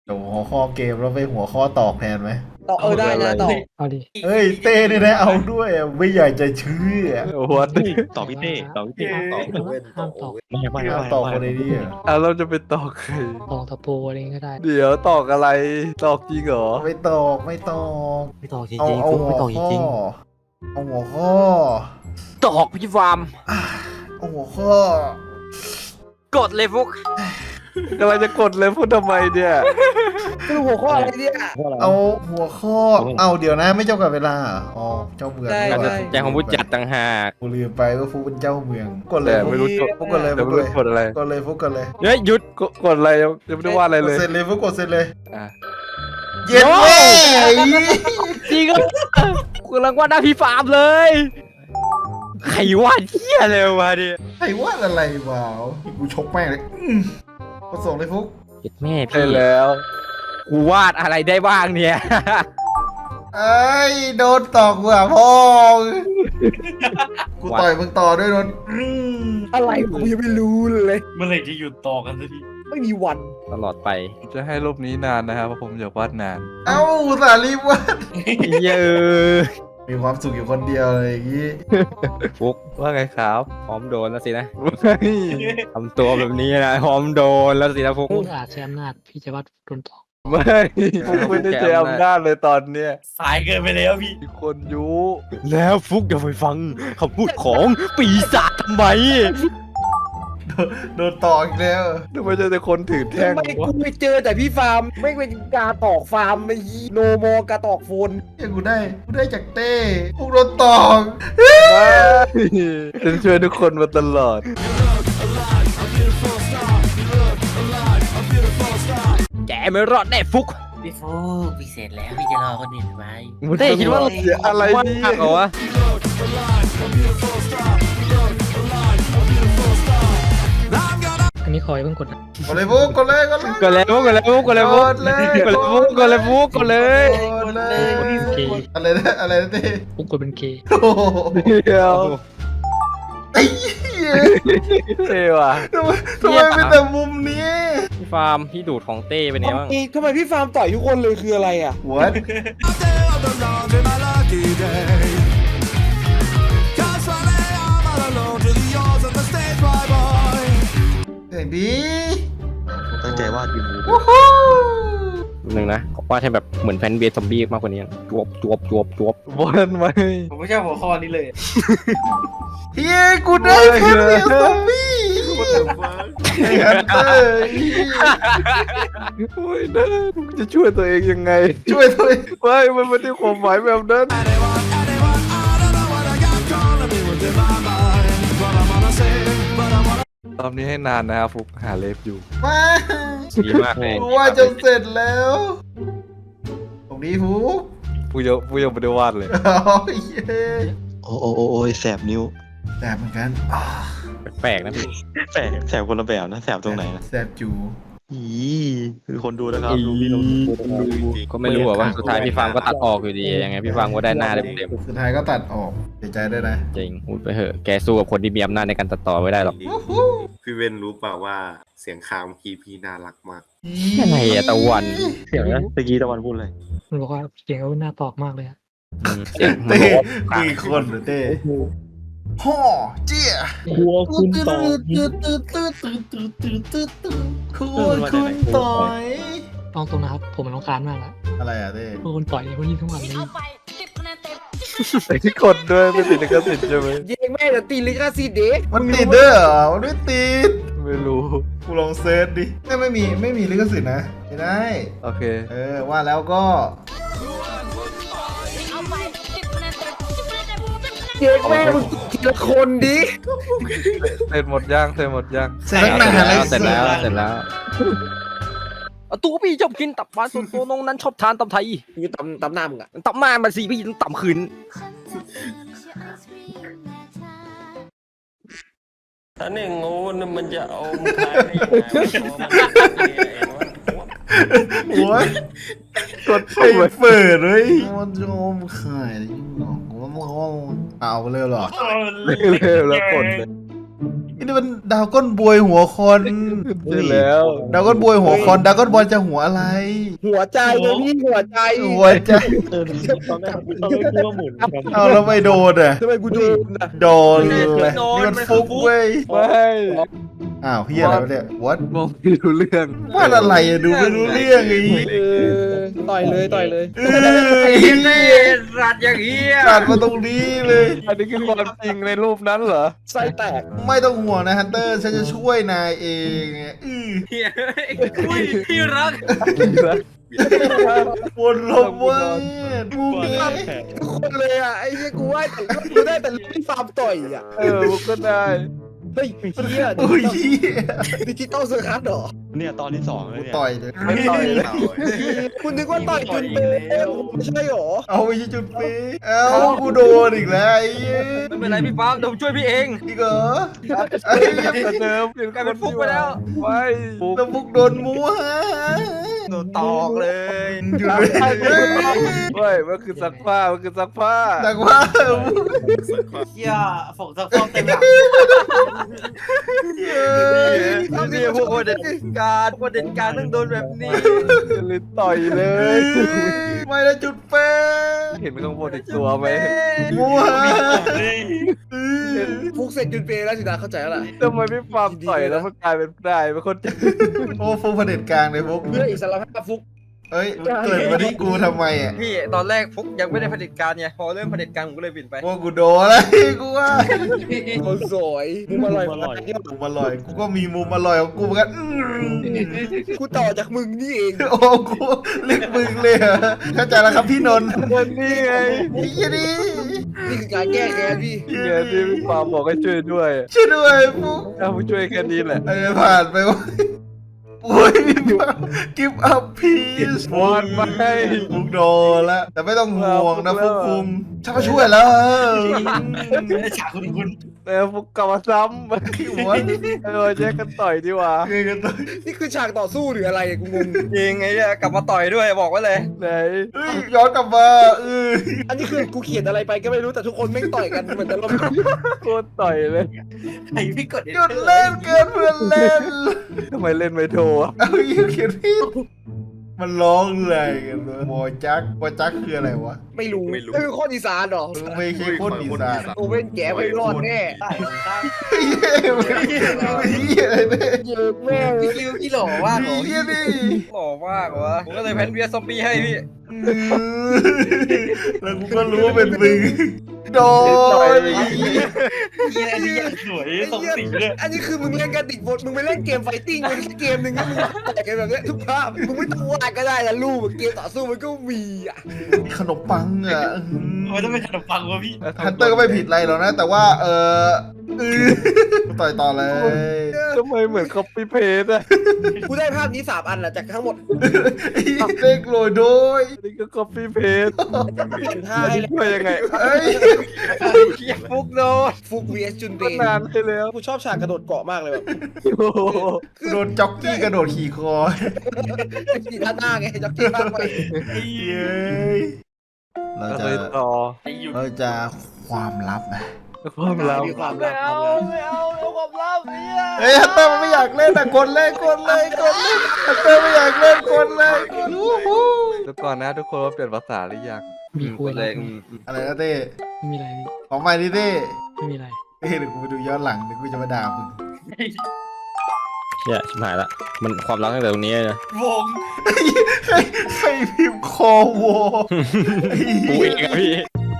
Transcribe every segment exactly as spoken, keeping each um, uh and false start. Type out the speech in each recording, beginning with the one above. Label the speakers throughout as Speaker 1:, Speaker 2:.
Speaker 1: โอ้หัวข้อเกมแล้วไปหัวข้อตอกแทนไหม
Speaker 2: ต่อเออได้นะต่อ
Speaker 3: เอาดิ
Speaker 1: เฮ้ยเต้นี่นะเอาด้วยอะไม่อยากจะเชื่อ
Speaker 4: วัด
Speaker 5: ต่อพี่เต้ต่อพี่เต้
Speaker 1: เอ้ย
Speaker 3: ห้ามห้ามตอก
Speaker 5: ไม่ไม่
Speaker 1: ไม่
Speaker 5: ไม่
Speaker 1: เอาตอกคนในนี้อะ
Speaker 4: อ่ะเราจะไปตอกใคร
Speaker 3: ตอกตะปูอะไรอย่างงี้ก็ได้
Speaker 4: เดี๋ยวตอกอะไรตอกจริงเหรอ
Speaker 1: ไม่ตอกไม่ตอก
Speaker 5: ไม่ตอกจริง
Speaker 1: เอา
Speaker 5: จริง
Speaker 1: เอา
Speaker 5: ฟุก
Speaker 1: หั
Speaker 5: ไม่
Speaker 1: ว
Speaker 5: ตอกจ
Speaker 1: ข้อ
Speaker 5: ริง
Speaker 1: เอาหัวข้อ
Speaker 6: ตอกพี่ฟาร์ม
Speaker 1: เอาหัวข้อก
Speaker 6: ดเลยฟุก
Speaker 4: กำลังจะกดเลยพูดทำไมเนี่ย
Speaker 2: คือหัวข้ออะไรเนี่ย
Speaker 1: เอาหัวข้อเอาเดี๋ยวนะไม่เจ้ากับเวลาเหรออ๋อเจ้าเมือง
Speaker 2: ได้
Speaker 1: นี่ห
Speaker 6: การ
Speaker 1: ว่า
Speaker 6: ตัดสินใจของผู้จัดต่างหาก
Speaker 1: กูลืมไปว่าฟุกเป็นเจ้าเมืองกดเล
Speaker 4: แต่
Speaker 1: ย
Speaker 4: ไม่รู้กด
Speaker 1: ฟุกกดเลย
Speaker 4: แต่
Speaker 1: ฟุก
Speaker 4: ไม่
Speaker 1: กด
Speaker 4: รู้
Speaker 1: เลย
Speaker 4: กดอะไร
Speaker 1: กดเลยฟุกกดเลย
Speaker 6: เฮ้ยหยุด
Speaker 4: กดกดอะไรยังยังไม่ได้วาดอะไร
Speaker 1: ก
Speaker 4: เล
Speaker 1: ด
Speaker 4: ย
Speaker 1: เสร็จเลยฟุกกดเสร็จเลย
Speaker 4: อ่ะ
Speaker 1: เย็นเว้ย
Speaker 6: จริงก็กำลังว่าหน้าพี่ฟาร์มเลย ใครวาดเที่ยเลยวะเนี่ย
Speaker 1: ไอ้ว่าอะไรวะกูชกแม่งเลยอืมกดส่งเลยฟุก
Speaker 6: เจ็ดแม่
Speaker 4: ใช่
Speaker 6: พี่
Speaker 4: แล้ว
Speaker 6: กูวาดอะไรได้บ้างเนี่ย
Speaker 1: ไอ้ยโดนตอกหัวพ่อกูต่อยมึงต่อด้วยโดนอืม
Speaker 2: อะไรผมยังไม่รู้เลย
Speaker 7: เมื่อไหร่จะหยุดต่อกันสักที
Speaker 2: ไม่มีวัน
Speaker 6: ตลอดไป
Speaker 4: จะให้รูปนี้นานนะครับเพราะผมอยากวาดนาน
Speaker 1: เอ้าอุตสาห์รีบวาด
Speaker 6: เยอะ
Speaker 1: มีความสุขอยู่คนเดียวเลยอย่างงี้
Speaker 6: ฟุก
Speaker 4: ว่าไงครับ
Speaker 6: พร้อมโดนแล้วสินะ
Speaker 4: ไม่
Speaker 6: ทำตัวแบบนี้นะพร้อมโดนแล้วสินะฟุก
Speaker 3: พูดอาจใช้อำนาจพี่จะวัดโดนตอก
Speaker 4: ไม่ผมไม่ได้ใช้อำนาจเลยตอนเนี้ย
Speaker 7: สายเกินไปแล้วพี่
Speaker 4: มีคนยุ
Speaker 6: แล้วฟุกอย่าไปฟังคำพูดของปีศาจทำไม
Speaker 1: โดนตอกอีกแล้ว
Speaker 4: ทำไมเจอแต่คนถือแท่ง
Speaker 2: ทำไม
Speaker 4: วะ
Speaker 2: กูไปเจอแต่พี่ฟาร์มไม่เป็นกาตอกฟาร์มไอ้โนโมกาตอกโฟน
Speaker 1: เฮ้ยกูได้กูได้จากเต้พวกโดนตอก
Speaker 4: ไม่ฉันช่วยทุกคนมาตลอด
Speaker 6: แกไม่รอดแน่ฟุก
Speaker 5: พี่ฟุกพี่เสร็จแล้วพี่จะรอคนอื่นไว้
Speaker 6: เต้คิดว่า
Speaker 4: เสียอะไร
Speaker 6: ว่า
Speaker 4: เนี่
Speaker 6: หักเหรอย วะ
Speaker 3: อันนี้คอยเพิ่งกดนะ
Speaker 1: กดเลยฟุกกดเลยกดเลย
Speaker 6: กดเลยฟุกกดเลยฟุกกดเลยฟุก
Speaker 1: กดเลย
Speaker 6: กดเลยฟุกกดเลยฟุกกดเลย
Speaker 1: กดเลย
Speaker 3: เกย์
Speaker 1: อะไรนะอะไรนะเต้
Speaker 3: ปุ๊กกดเป็นเกย์
Speaker 1: โอ้โห
Speaker 4: เดียว
Speaker 1: ไอ้เหี้ย
Speaker 4: เท่ว่ะ
Speaker 1: ทำไมทำไมเป็นแต่มุมนี้
Speaker 6: พี่ฟาร์มพี่ดูดของเต้เป็นไงบ้าง
Speaker 2: เอ้ยทำไมพี่ฟาร์มต่อยทุกคนเลยคืออะไรอ่ะ
Speaker 1: หัวเสียงดี
Speaker 5: ตั้งใจวาดอยู่
Speaker 1: วู้ฮู้
Speaker 6: หนึ่งนะว่าให้แบบเหมือนแพนเบสซอมบี้มากกว่านี้จวบจวบจวบจวบ
Speaker 4: บอลไหม
Speaker 7: ผมไม่ใช่หัวข้อนี้เลย
Speaker 1: เฮ้ยกูได้แค่เดียวซอมบี้ไอ้ฮันเตอร์
Speaker 4: โอ้ยนะจะช่วยตัวเองยังไง
Speaker 1: ช่วยตัวเอง
Speaker 4: ไม่มันไม่ได้ความหมายแบบนั้นตอนนี้ให้นานนะครับฟุกหาเล็บอยู่
Speaker 1: มา
Speaker 6: ดีมากเลย
Speaker 1: กูว่าจะเสร็จแล้ว ตรงนี้ฟุก
Speaker 4: ฟูยังฟูยังไม่ได้วาดเลย
Speaker 1: โอ้ยเย้
Speaker 5: โอ้โอ้โอ้โอ้ยแสบนิ้ว
Speaker 1: แสบเหมือนกันอ่า
Speaker 6: แปลกๆนะพี่
Speaker 5: แสบแสบคนละแบบนะแสบตรงไหนนะ
Speaker 1: แสบจู
Speaker 5: อีคือคนดูนะครับดูพี่น้องดูจริงๆ
Speaker 6: ก็ไม่รู้อะว่าสุดท้ายพี่ฟาร์มก็ตัดออกอยู่ดียังไงพี่ฟาร์มก็ได้หน้าเต็ม
Speaker 1: สุดท้ายก็ตัดออกเสียใจด้วยนะ
Speaker 6: ๆจริงพูดไปเถอะแกสู้กับคนที่มีอำนาจในการตัดต่อไม่ได้หรอก
Speaker 8: พี่เว้นรู้เปล่าว่าเสียงคามคีพี่น่ารักมาก
Speaker 6: ยังไงอะตะวัน
Speaker 5: เดี๋ยวนะตะกี้ตะวันพูดอะไร
Speaker 3: มันบอกว่าเสียงเขาหน้าตอกมากเลยอะ
Speaker 6: อืมเสียง
Speaker 1: เต้มีคนเหรือเต้ฮ่อเจี๊ย
Speaker 7: กลัวคุณต่อ
Speaker 1: ตื่นตื่นตื่นตื่นตื่นตื่นตื่นตื่นคุณคุณต่อย
Speaker 3: ต้องตรงนะครับ ผมมันรำคาญมากละ
Speaker 1: อะไรอ่ะเต้
Speaker 3: พวกคนต่อยคนนี้ทั้งวันเลย
Speaker 4: ไอ้ที่กดด้วยไม่ติดลิขสิทธิ์ใช่ไหม
Speaker 2: เย้งแม่เดี๋ยวตีลิขสิทธิ์เด็ก
Speaker 1: มันติดเด้อเหรอมันไม่ติด
Speaker 4: ไม่รู้
Speaker 1: กูลองเซิร์ชดิไม่ไม่มีไม่มีลิขสิทธิ์นะไม่ได้
Speaker 4: โอเค
Speaker 1: เออว่าแล้วก็
Speaker 2: เย้งแม่มึงทีละคนดิ
Speaker 4: เสร็จหมดย่างเสร็จหมดย่าง
Speaker 1: แสงหนาอะไร
Speaker 6: เสร็จแล้วเสร็จแล้วตัวพี่ชอบกินตับหวานส่วนตัวน้องนั้นชอบทานตับไทย
Speaker 2: มึงตำตำหน้ามึงอ่ะ
Speaker 6: ตับมามันสิพี่ต้องตับคืน
Speaker 9: ถ้าเนี่ยงูนี่มันจะเอามขายได้ยังไงวะ
Speaker 1: โอ้ยกดไอ้เปิดเลยมันจะอมขายยิ่งหนอกว่ามันเอาไปเลยเหรอ
Speaker 4: เร็วๆแล้วกดเลย
Speaker 1: นี่มันดาวก้นบวยหัวคอน
Speaker 4: ใช่แล้ว
Speaker 1: ดาวก้นบวยหัวคอนดาวก้นบอลจะหัวอะไร
Speaker 2: หัวใจเลยพี่หัวใจ
Speaker 1: หัวใจ
Speaker 7: เออตอนแรกตอนแรกคิดว่าหมุนครับ
Speaker 1: เอาแล้วไม่โดนอ่ะ
Speaker 2: ทำไมกูโดนอ่ะ
Speaker 1: โดนเลยนี่มันฟุกเว้ย
Speaker 4: ไม่
Speaker 1: อ้าวเฮียอะไรวะเนี่ย what
Speaker 4: มองไม่รู้เรื่อง
Speaker 1: วาดอะไรอะดูไม่รู้เรื่องไอ้
Speaker 2: เออต่อยเลยต่อยเลย
Speaker 1: เอ้ย
Speaker 6: รัดอย่างเงี้ย
Speaker 1: ตัดมาตรงนี้เลย
Speaker 4: อันนี้คือความจริงในรูปนั้นเหรอ
Speaker 2: ไส้แตก
Speaker 1: ไม่ต้องห่วงนะฮันเตอร์ฉันจะช่วยนายเองอื้อ
Speaker 6: เฮียอุ้ยพี่รัก
Speaker 1: วนลมเว้ยมูเม
Speaker 2: ทุกคนเลยอ่ะไอ้เหี้ยกูว่าแต่กูได้แต่พี่ฟาร์มต่อยอ่ะ
Speaker 4: เออมึงก็ได้
Speaker 2: เฮ้ยเหี้ย
Speaker 1: โอ้ยเหี้ย
Speaker 2: ดิจิตอลเซอร์คัสเหรอ
Speaker 5: เนี่ยตอนที่สองเลย
Speaker 1: กู
Speaker 5: เนี่ย
Speaker 1: ต่อยเลย
Speaker 4: ไม่ต่อยเลย
Speaker 2: คุณนึกว่าต่อยจุนเปย์ไม่ใช่หรอ
Speaker 1: เอาไปจุดเป๊ะเอ้ากูโดนอีกแล้วไอ้เหี้ย
Speaker 6: ไม่เป็นไรพี่ฟาร์มเดี๋ยวผมช่วยพี่เอง
Speaker 1: อีกเหรอไอ้
Speaker 4: แต่เดิม
Speaker 6: กลายเป็นฟุกไปแล้ว
Speaker 4: ไม่ฟุก
Speaker 1: แล้วพวกโดนมัวฮะ
Speaker 6: โดนตอกเลย
Speaker 1: อยู่เลย
Speaker 4: เฮ้ยมันคือซักผ้ามันคือซักผ้า
Speaker 1: แต่ว่า
Speaker 7: เฮียฝงซักฟอกเต็มหลัง
Speaker 1: เฮ้ย
Speaker 6: นี่พวกประเด็นการประเด็นการต้องโดนแบบนี้
Speaker 4: เลยต่อยเลย
Speaker 1: ไม่ได้จุดเป๊ะ
Speaker 4: เห็นข้างบนอีกตัวไหม
Speaker 1: มัว
Speaker 2: ฟุกเสร็จจุนเปย์แล้วสินะเข้าใจแล้วล่ะ
Speaker 4: ทำไมไม่ฟาร์มต่อยแล้วมันกลายเป็นได้เป็นคน
Speaker 1: โอ้ฟูเผด็จการเลยพวก
Speaker 2: เพื่ออิสรภาพฟุก
Speaker 1: เอ้ยเกิดมาที่กูทำไมอ่ะ
Speaker 6: พี่ตอนแรกฟุกยังไม่ได้เผด็จการไงพอเริ่มเผด็จการผมก็เลยบินไป
Speaker 1: พวกกูโดนแล้วกูว่า
Speaker 2: คนสวยมุมอร่อยของเที่ยว
Speaker 1: มุมอร่อยกูก็มีมุมอร่อยของกูเหมือนกันอื้อ
Speaker 2: กูต่อจากมึงนี่เอง
Speaker 1: โอ้กูเรียกมึงเลยเหรอเข้าใจแล้วครับพี่นนท์
Speaker 4: คนนี้ไง
Speaker 1: ไอ้ยี่นี่
Speaker 2: นี่คือการแก้แค้นพี่
Speaker 4: เงี้ยที่พี่ฟาร์มบอกให้ช่วยด้วย
Speaker 1: ช่วยด้วยฟุก
Speaker 4: เอาผู้ช่วยแค่นี้แหละ
Speaker 1: ไอ้ผ่านไปวะโอ้ยกิฟต์อัพพีซ
Speaker 4: วอนมาให้
Speaker 1: ฟุกโดนแล้วแต่ไม่ต้องห่วงนะฟุกคุงฉันมาช่วยแล้ว
Speaker 7: ไม่ได้ฉากคุณคุณ
Speaker 4: แต่พวกกลับมาซ้ำ
Speaker 1: หัว
Speaker 4: เออแยกกันต่อยดีกว่า
Speaker 1: เกยกันต่อ
Speaker 2: นี่คือฉากต่อสู้หรืออะไรกูงง
Speaker 6: จริงไงเนี่ยกลับมาต่อยด้วยบอกไว้เลย
Speaker 4: ไหน
Speaker 1: เฮ้ยย้อนกลับมาเออ
Speaker 2: อันนี้คือกูเขียนอะไรไปก็ไม่รู้แต่ทุกคนไม่งต่อยกันเหมือนจะลม
Speaker 4: โคตรต่อยเลย
Speaker 7: ไอ้พี่กด
Speaker 1: หยุดเล่นเกินเพื่อนเล่น
Speaker 4: ทำไมเล่นไม่โทรอะ
Speaker 1: เอาอยู่เขียนพี่มันร้องอะไรกันวะบอจักบอจักคืออะไรวะ
Speaker 2: ไม่รู้
Speaker 8: ไม่รู้
Speaker 2: นี่คือข้ออีสานเหรอ
Speaker 1: ไม่ใช่คนอีสาน
Speaker 2: โอเว่นแกไม่รอดแน่
Speaker 7: ได้ได้
Speaker 1: เฮ้ยเฮ้ยอะไรเนี่ย
Speaker 2: เยอะแม่ง
Speaker 7: พี่ริวพี่หล่อว่าหล่อ
Speaker 1: เฮียนี่
Speaker 6: หล่อมากวะผมก็เลยแพนเวียซอมบี้ให้พี่
Speaker 1: แล้วกูก็รู้ว่าเป็นมึงโดน
Speaker 7: เฮียอันนี้ยังสวยสมศรีเลย
Speaker 2: อันนี้คือมึงเล่นกันติดบทมึงไปเล่นเกมไฟติ้งมันเกมหนึ่งก็มึงแต่กันแบบเนี้ยทุกภาพมึงไม่ต้องวาดก็ได้นะรูปเกมต่อสู้มันก็มีอ่ะ
Speaker 1: ขนมปังอ่ะ
Speaker 7: ทำไมต้องเป็นขนมปังวะพี่
Speaker 1: ฮันเตอร์ก็ไม่ผิดอะไรหรอกนะ แต่ว่าเออเออต่อยต่อเลย
Speaker 4: ทำไมเหมือน copy paste อะ
Speaker 2: กูได้ภาพนี้สามอันแหละจากทั้งหมด
Speaker 1: เล็กโรยโดย
Speaker 4: อันนี้ก็ copy paste
Speaker 2: เปลี่ยนท่า
Speaker 4: อัน
Speaker 2: ให้
Speaker 4: นี้ช่วยยังไง
Speaker 1: เอ้ย
Speaker 6: เฮียฟุกโดน
Speaker 2: ฟุก วี เอส จุนเป
Speaker 4: ก็
Speaker 2: ย์
Speaker 4: นานไปแล้ว
Speaker 2: กูชอบฉากกระโดดเกาะมากเลยแบบ
Speaker 4: โอ้โห
Speaker 1: โดนจ็อกกี้กระโดดขี่คอ
Speaker 2: สีท่าหน้าไงจ็อกกี้ท่าไป
Speaker 1: เย้ยเรา
Speaker 4: เรา
Speaker 1: จะ
Speaker 4: เลยต่อ
Speaker 7: ไอ้อยู่
Speaker 1: เราจะความลับนะ
Speaker 4: ความลับ
Speaker 2: มีความ
Speaker 6: ไม่
Speaker 2: รัก
Speaker 6: เอาไม่เอาเอาความลับเนี่ย
Speaker 1: เฮ้ยฮันเตอร์มันไม่อยากเล่นอ่ะกดเลยกดเลยกดเลยฮันเตอร์ไม่อยากเล่นกดเลยวู้ฮู้
Speaker 4: แล้วก่อนนะทุกคนว่าเปลี่ยนภาษาหรือยัง
Speaker 3: มีคุยอะไร
Speaker 1: อะไรนะเต้
Speaker 3: ไม่มีอะไรพี่
Speaker 1: ขอใหม่ดิเต้
Speaker 3: ไม่มีอะไร
Speaker 1: เฮ้ยเดี๋ยวกูไปดูย้อนหลังเดี๋ยวกูจะมาด่ามึง
Speaker 5: เชี่ยชิบหายละ มันความรักตั้งแต่ตรงนี้นะ
Speaker 7: วง
Speaker 1: ใครใครพิมพ์คอวอ
Speaker 5: กูเองอะพี่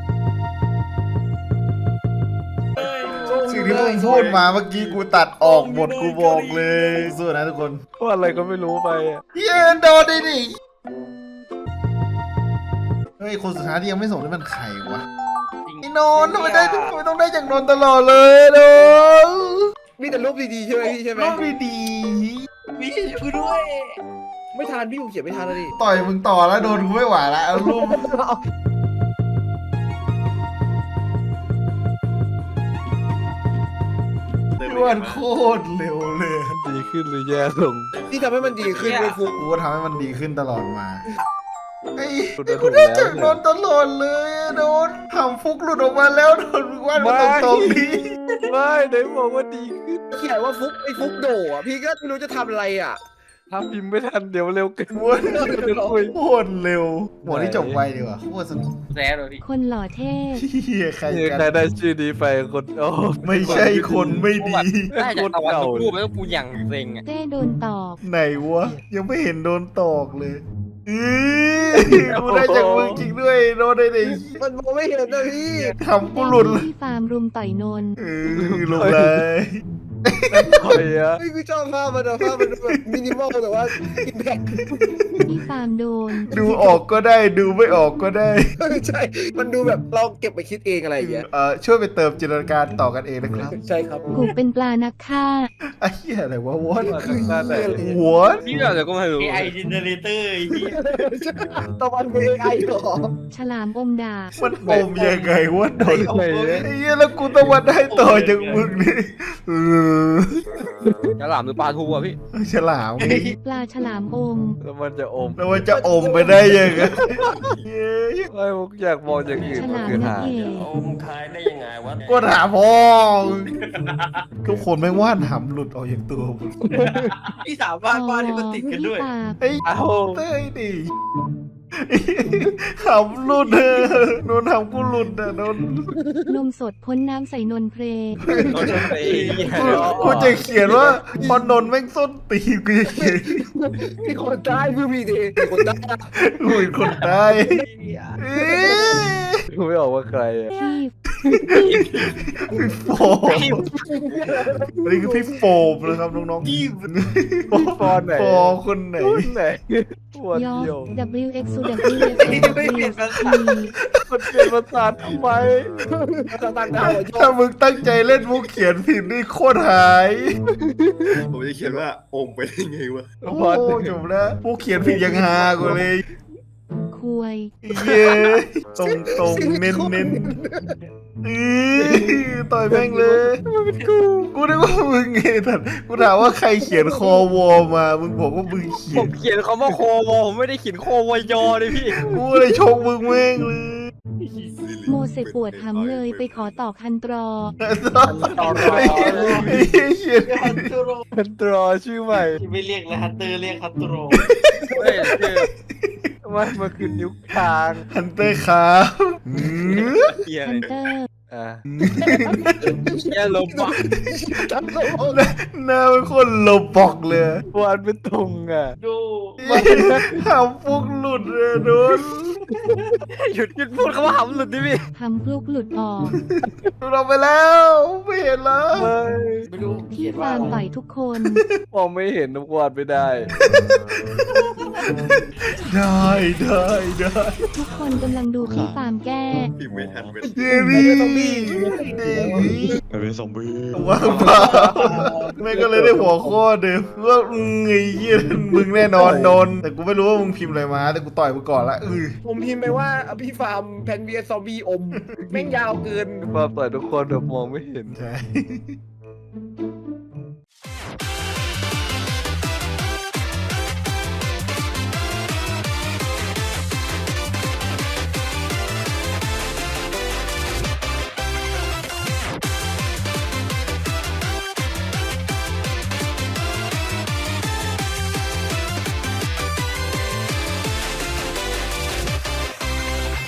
Speaker 1: สิ่งที่มึงพูดมาเมื่อกี้กูตัดออกหมดกูบอกเลยสู้นะทุกคน
Speaker 4: ว่าอะไรก็ไม่รู้ไปอะ
Speaker 1: เย้โดนดิดิเฮ้ยคนสุดท้ายที่ยังไม่ส่งนี่มันใครวะไอ้นนท์ทำไมได้ทำไมต้องได้จากนนท์ตลอดเลยนนท์
Speaker 2: มีแต่รูปดีๆใช่ไหมพี่ใช่ไหม
Speaker 1: รูปดี
Speaker 7: พี่กูด้วย
Speaker 2: ไม่ทันพี่กูเขียนไม่ทันแล้วดิ
Speaker 1: ๆต่อยมึงต่อแล้วโดนกูไม่ไหวแล้วเอารูปรวดโคตรเร็วเลย
Speaker 4: ดีขึ้นหรือแย่ลง
Speaker 2: ที่ทำให้มันดีขึ้นไม่ฟุก
Speaker 1: กูก็ทำให้มันดีขึ้นตลอดมาไอ้
Speaker 4: กู
Speaker 1: ไอ้
Speaker 4: โดน
Speaker 1: กู
Speaker 4: ถูก
Speaker 1: ได้
Speaker 4: แล้ว
Speaker 1: จากนนท์ตลอดเลยอะโดนทำฟุกหลุดออกมาแล้วโดนมึงว่าดมาตรงๆนี้
Speaker 4: ไม่ไหนบอกว่าดีขึ้น
Speaker 2: เขียนว่าฟุกไอ้ฟุกโดอ่ะพี่ก็ไม่รู้จะทำอะไรอ่ะ
Speaker 4: ถ้าพิมพ์ไม่ทันเดี๋ยวเร็วเกิน
Speaker 1: โคตรโคตรเร็วหมดที่จบไวดีกว่าโคตรสนุก
Speaker 7: แซ่เลยดิ
Speaker 10: คนหล่อเท่
Speaker 1: เฮียใคร
Speaker 4: นี่
Speaker 1: กัน
Speaker 4: ใครได้ชื่อนี้ไปคนโอ้
Speaker 1: ไม่ใช่คนไม่ดี
Speaker 6: ได้จากตะวันตกรูปแล้วกูอย่างเซ็งอ่ะ
Speaker 10: เต้โดนตอบ
Speaker 1: ไหนวะ ยังไม่เห็นโดนตอกเลยอือกูได้จากมึงจริงด้วยโดนได้เลย
Speaker 2: มันมองไม่เห็นนะพี่
Speaker 1: ทำกูหลุดเลย
Speaker 10: ที่ฟาร์มรุมต่อยนนท์
Speaker 1: เออลงเลย
Speaker 4: คอยอะ
Speaker 2: ไอ้ยกูชอบภาพมันอะภาพมันดูแบบมินิมอลแต่ว่าอิมแพค
Speaker 10: ที่ฟาร์มโดน
Speaker 1: ดูออกก็ได้ดูไม่ออกก็ได้
Speaker 2: ใช่ มันดูแบบเราเก็บไปคิดเองอะไรอย่างเงี้ย
Speaker 1: เอ่อช่วยไปเติมจินตนาการต่อกันเองนะครับ
Speaker 2: ใช่ครับ
Speaker 10: กูเป็นปลานักฆ่า
Speaker 1: ไอ้เหี้ยอะไรวะวอ
Speaker 4: มาจากหน้าไหน
Speaker 1: วอ
Speaker 6: พี่อะไรก็ไม่รู้
Speaker 7: เอไอจินเนอเรเตอร์ไอ้เหี้ย
Speaker 2: ตะวันเป็นเอไอเหรอ
Speaker 10: ฉลามอมดาบ
Speaker 1: มันอมยังไงวะโดน
Speaker 4: ไหน
Speaker 1: ไอ้เหี้ยแล้วกูต้องมาได้ต่อจากมึงนี่เออ
Speaker 6: ฉลามหรือปลาทูอ่ะพี่
Speaker 1: ฉลาม
Speaker 10: ปลาฉลามอม
Speaker 4: แล้วมันจะอม
Speaker 1: แล้วมันจะอมไปได้ยังไงเย้
Speaker 4: ไม่ผมอยากมองอย่างอื่น
Speaker 10: ฉ
Speaker 4: มัน
Speaker 10: ลาม
Speaker 4: คือ
Speaker 10: นั
Speaker 4: หาก ง
Speaker 10: เอก
Speaker 9: เอามึงขายได้ยังไงวะ
Speaker 1: ก็ถามพ่อทุกคนไม่ว่านหำหลุดออกจากตัวมึง
Speaker 7: พี่สาวบ้านบ้านที่มันติดกันด้วย
Speaker 10: ที่ปาก
Speaker 1: ไอ้
Speaker 4: เอ้า
Speaker 1: เต้ยดิหำหลุดเออโดนหำกูหลุดอ่ะโดน
Speaker 10: นมสดพ้นน้ำใส่นนเพล
Speaker 1: กูกูจะเขียนว่าพอนนท์แม่งส้นตีนกูจะเขียน
Speaker 2: พี่คนใต้พี่พี่ดีพี่คนใต้
Speaker 1: กูเป็นคนใต้เอ้ย
Speaker 4: ดูไม่ออกว่าใครอะ
Speaker 10: ที่
Speaker 1: พี่โฟมอันนี้คือพี่โฟมนะครับน้องๆพี่
Speaker 4: ฟอนไหน
Speaker 1: โฟมคนไหน
Speaker 4: คนไหนวัน
Speaker 10: ยอ
Speaker 4: เดียว
Speaker 10: W X U W F
Speaker 7: ไม่เปลี่ยนภาษา
Speaker 4: มันเปลี่ยนภาษาทำไม
Speaker 2: ต่างดาวอะยอ
Speaker 1: ถ้า
Speaker 2: ด
Speaker 1: มึงตั้งใจเล่นมุกเขียนผิดนี่โคตรหาย
Speaker 8: ผมจะเขียนว่าอมไปได้ไงวะ
Speaker 1: โอ้จบแล้วมุกเขียนผิดยังฮากว่าเลย
Speaker 10: คุย
Speaker 1: เย้ตรงตรงๆเน้นเน้นๆอือต่อยแม่งเลยกูกูนึกว่ามึงไงแต่กูถามว่าใครเขียนคอวอมา มึงบอกว่ามึงเขี
Speaker 6: ผ
Speaker 1: ยน
Speaker 6: มเขียนคำว่าโควอผมไม่ได้เขียนโควอยอเลยพี่
Speaker 1: กูเลยชงมึงแม่งเลย
Speaker 10: โมเสปวดหำเลยไปขอต่อคันตรอ
Speaker 1: ต่อรอไอ้เหี้ยเขียน
Speaker 7: ฮันตูโร
Speaker 4: เป็นตรอชื่อใหม่
Speaker 7: ไม่เรียกเลยฮันเตอร์เรียกฮันตูโร
Speaker 6: เฮ้ยคือ
Speaker 4: ไม่มันคือนิ้วกลาง
Speaker 1: ฮันเตอร์ครับอือ
Speaker 6: เขียน
Speaker 10: ฮันเตอร์
Speaker 4: อ่ะ
Speaker 6: เขียนลมปะ
Speaker 1: หน้าเป็นคนโลบอกเลย
Speaker 4: วันเป็นตรงอ่ะ
Speaker 7: ดู
Speaker 1: หำฟุกหลุดเลยโดน
Speaker 6: หยุดหยุดพูดคำว่าหำหลุดดิพี่
Speaker 10: ทำพลุกหลุดออก
Speaker 1: เราไปแล้วไม่เห็นแล้ว
Speaker 4: เฮ้ย
Speaker 7: ไม่รู้
Speaker 10: ที่
Speaker 7: เขียนว่า
Speaker 10: ฟาร์ม
Speaker 7: อะไร
Speaker 10: ต่อยทุกคน
Speaker 4: มองไม่เห็นทุกวันไม่ได้
Speaker 1: ได้ได้ได้
Speaker 10: ทุกคนกำลังดูที่ฟาร์มแก้
Speaker 8: พิมพ์ไม่ทันเป็น
Speaker 1: เดวี่เดวี่
Speaker 5: มันเป็นซอมบี้
Speaker 1: ว่างเปล่าไม่ก็เลยได้หัวข้อเดิมว่าอืมไอ้เหี้ยมึงแน่นอนโดนแต่กูไม่รู้ว่ามึงพิมพ์อะไรมาแต่กูต่อยมึงก่อนละอือ
Speaker 2: ผมพิมพ์ไปว่าพี่ฟาร์มแพนเวียซอมบี้อมแม่งยาวเกิน
Speaker 4: ความต่อยทุกคนแบบมองไม่เห็น
Speaker 1: ใช่